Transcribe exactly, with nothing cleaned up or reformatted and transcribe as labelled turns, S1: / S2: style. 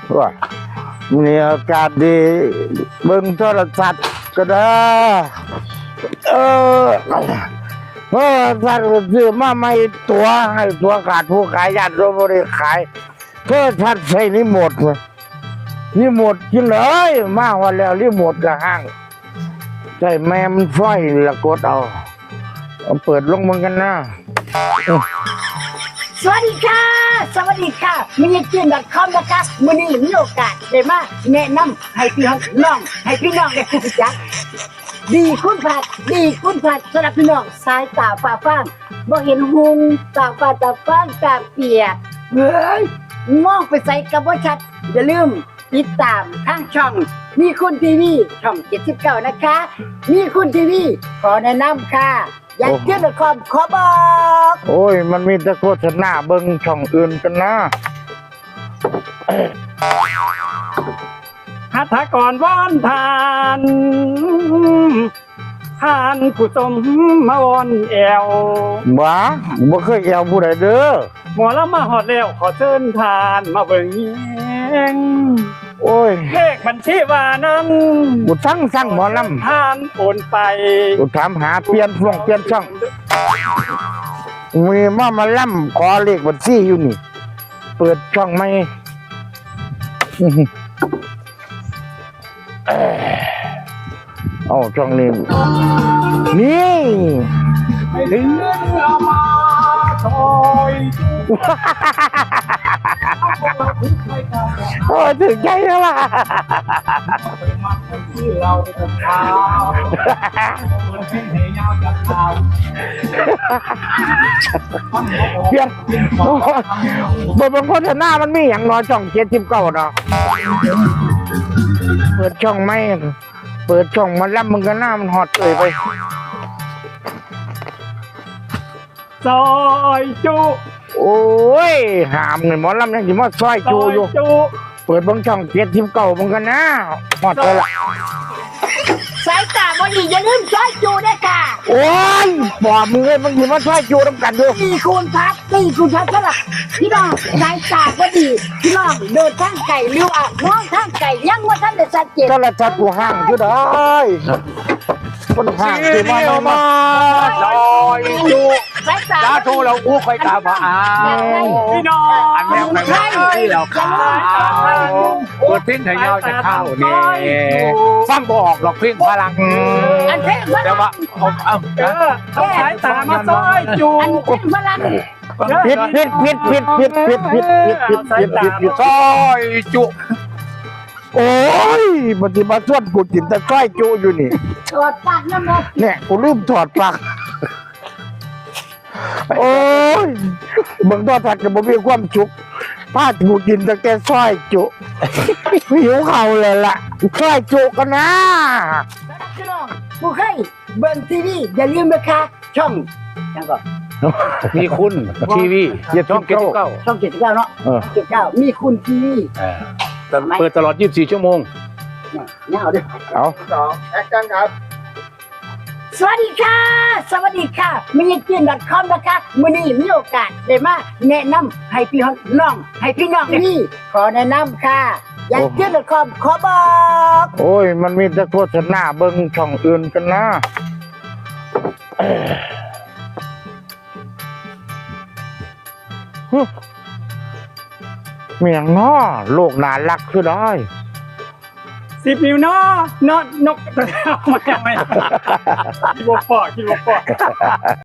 S1: ว่ามีอากาศดีเบิ่งโทรศัพท์ก็ได้เออเมื่อสัตว์ซื้อมาไม่ตัวให้ตัวขาดผู้ขายญาติโยมบริขายเพื่อทัดใส่รีโมทเลยรีโมทกินเลยมาวันแล้วรีโมทกับห้างใช่แม่มันไฟละกดเอาเอาเปิดลงมันกันนะ
S2: สวัสดีค่ะสวัสดีค่ะมินิจินดอทคอมนะคะมื้อนี้มีโอกาสได้มาแนะนำให้พี่น้องให้พี่น้องได้รู้จักดีคุณผัดดีคุณผัดสำหรับพี่น้องสายตาฟ้าฟางบ่เห็นหุงตาฟ้าตาฟางตาเปียกเฮ้ยมองไปใส่กับบ่ชัดอย่าลืมติดตามทางช่องมีคุณทีวีช่องเจ็ดสิบเก้านะคะมีคุณทีวีขอแนะนำค่ะอยากเที่ยวดอทคอมขอบอก
S1: โอ้ยมันมีแต่โฆษณาเบิ่งช่องอื่นกันนะ
S3: หัตถกรว่านทานทานผู้สมมาวอนแอว
S1: บ้าบ่เคยแอวผู้ใดเด้อ
S3: หมอละมาหอดแล้วขอเชิญทานมาเบิ่งแยง
S1: โอ้ย
S3: เลขบัญชีว่านั้น
S1: กูสั่งสั่งหมอล
S3: ทานโอนไป
S1: ำกูถามหาเปลี่ยนช่วงเปลี่ยนช่องมีมามาล่ำขอเลขบัญชีอยู่นี่ เปิดช่องไหมอื้อหือเอ้ยเอาช่องนี้นี่
S3: เดือนละมาซอย
S1: โอ้ยถึงใจแล้วล่ะ
S3: ที่เราเป็นเท้าคนที่เหยาวจากเท้า
S1: เปลี่ยนโอ้ยบทบางโฆษณามันมีอย่างน้อยช่องเจ็ดสิบเก้าเนาะเปิดช่องไหมเปิดช่องมาล่ำมึงก็หน้ามันหอดเลยไป
S3: ซอยจุ
S1: โอ้ยหามเงินหมอลำยังสิมาซอย
S3: ซ
S1: จู
S3: อย
S1: อยู่
S3: จุ
S1: เปิดเบางช่องเจ็ดทิมเก่ามึงกันนะหอดเลยล่ะ
S2: สายตาบ่ดีอย่าลืมช่วยจูด้วยค่ะ
S1: โอ้ยปอบมึงเลยมึงสิมาซอยจูน้ำกันดู
S2: ตีคูณพัดตีคูณพัดสำหรับพี่น้องสายตาบ่ดีพี่น้องเดินทางไก่เลี้ยวอ่ะมองทางไก่ยังว่าท่านได้ชัดเจน
S1: ก็ละจัดกูห่างอยู่ได้คนห่างสิมามามา
S4: ซอยจุ
S2: สายตา
S4: จ้าโทรเราอู้คอยตามมาอ้า
S3: พี่น้อง
S4: อันแม่ไปมาที่เราข้าวเปิดพิ้งไทยเงาจะเข้าเนี่ยฟังบอกหรอกพิ้งพลัง
S2: อันเพ่งพ
S4: แต่
S2: ลั
S4: ว่าง เอาเอา
S3: เออเอาสายตามาซอยจู
S2: อันเพ่งพลัง
S1: ผิดผิดผิดผิดผิดผิดผิดผิดผิดผิดผิดผิด
S4: ซอยจุ
S1: โอ้ยปฏิบัติส่วนกูจินแต่ซอยจูอยู่นี่
S2: ตรวจปากน้ำมัน
S1: เนี่ยกูลืมถอดปลั๊กโอ้ยเบิ่งตอทัดกับบ่มีความสุขพากูกินแต่แกซอยจุหิวเข่าเลยล่ะซอยจุกันนะ
S2: พี่น้องผู้ใครเบิ่งทีวีอย่าลืมนะคะช่องยังก่อน
S4: มีคุณทีวีช่องเก้าเก้า
S2: ช่องเจ็ดสิบเก้าเนาะ
S1: เออ
S2: เจ็ดสิบเก้ามีคุณทีวี
S4: เปิดตลอดยี่สิบสี่ชั่วโมง
S2: เนี่ยเนี่ยเอาด้วย
S1: เอา
S4: สองแอคชั่นครับ
S2: สวัสดีค่ะ สวัสดีค่ะมินิจินดอทคอมนะคะมื้อนี้มีโอกาสได้มาแนะนำให้พี่น้องให้พี่น้องนี่ขอแนะนำค่ะอยากเที่ยวดอทคอมขอบอก
S1: โอ้ยมันมีแต่โฆษณาเบิ่งช่องอื่นกันนะเอ้ยฮึเมียงน้อโลกน่ารักคือได้
S3: สิบนิ้วเนาะนอนนกเอาไม่เอาไม่คิดว่าปอคิดว่าปอ